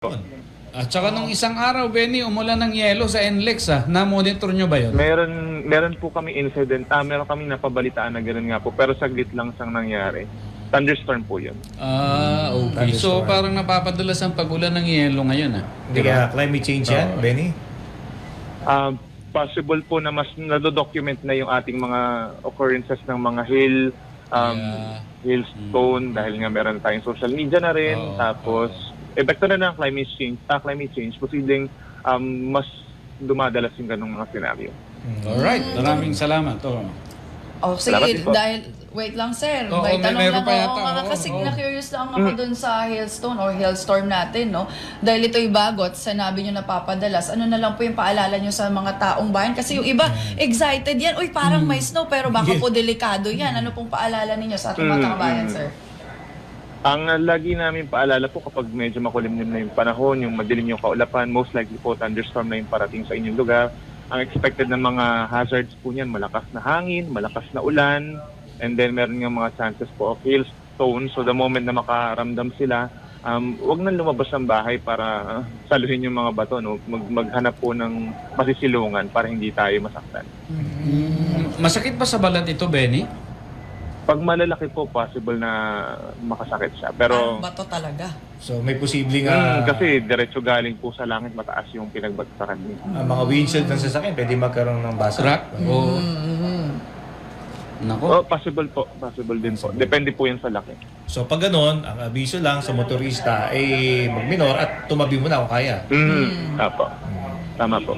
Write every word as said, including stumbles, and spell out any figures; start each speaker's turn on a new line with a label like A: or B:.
A: At saka nung isang araw, Benny, umulan ng yelo sa N L E X, ah. Na-monitor nyo ba yun?
B: Meron meron po kami incident, ah, meron kami napabalitaan na gano'n nga po, pero saglit lang siyang nangyari. Thunderstorm po yun.
A: Ah, okay. So
C: Thunderstorm.
A: parang napapadalas ang pagulan ng yelo ngayon, ah.
C: Hindi kaya climate change yan,
A: Oo.
C: Benny?
B: Ah, possible po na mas nado-document na yung ating mga occurrences ng mga hail, um,
A: Yeah.
B: hailstone, dahil nga meron tayong social media na rin.
A: Oo,
B: Tapos, epekto na ng climate change, ah, climate change, posibleng um, mas dumadalas yung ganong mga scenario.
A: Alright, maraming salamat. Oh.
D: Oh,
B: Salamat
D: sige,
B: din po.
D: dahil, wait lang sir,
A: Oo,
D: may
A: may-
D: tanong
A: meron
D: lang
A: pa
D: ako.
A: yata,
D: Oo, nga,
A: oo,
D: kasi
A: oo.
D: na-curious lang ako dun sa hailstone or hailstorm natin, no? Dahil ito'y bago at sinabi nyo napapadalas, ano na lang po yung paalala nyo sa mga taong bayan? Kasi yung iba, excited yan, uy, parang may snow, pero baka
C: Yeah.
D: po delikado yan. Ano pong paalala ninyo sa ating mga
B: Mm,
D: taong-bayan,
B: mm.
D: sir?
B: Ang uh, lagi namin paalala po kapag medyo makulimlim na yung panahon, yung madilim yung kaulapan, most likely po thunderstorm na yung parating sa inyong lugar. Ang expected na mga hazards po niyan, malakas na hangin, malakas na ulan, and then meron nga mga chances po of hailstone. So the moment na makaramdam sila, um, wag nang lumabas ng bahay para uh, saluhin yung mga bato, no? Mag maghanap po ng masisilungan para hindi tayo masaktan.
A: Mm, masakit ba sa balat ito, Benny?
B: Pag malalaki po, possible na makasakit siya. Pero
D: Parang bato talaga.
C: So may posibleng
B: Mm,
C: ah,
B: kasi diretso galing po sa langit, mataas yung pinagbagsakan niya.
C: ah, mga windshield ng sasakyan, pwede magkaroon ng basa.
A: Crack? Oo.
D: Mm-hmm.
A: Nako.
B: Oh, possible po. Possible din po. Depende po yan sa laki.
C: So pag ganun, ang abiso lang sa motorista ay magminor at tumabi mo na kung kaya.
B: Mm, Apo. Tama po.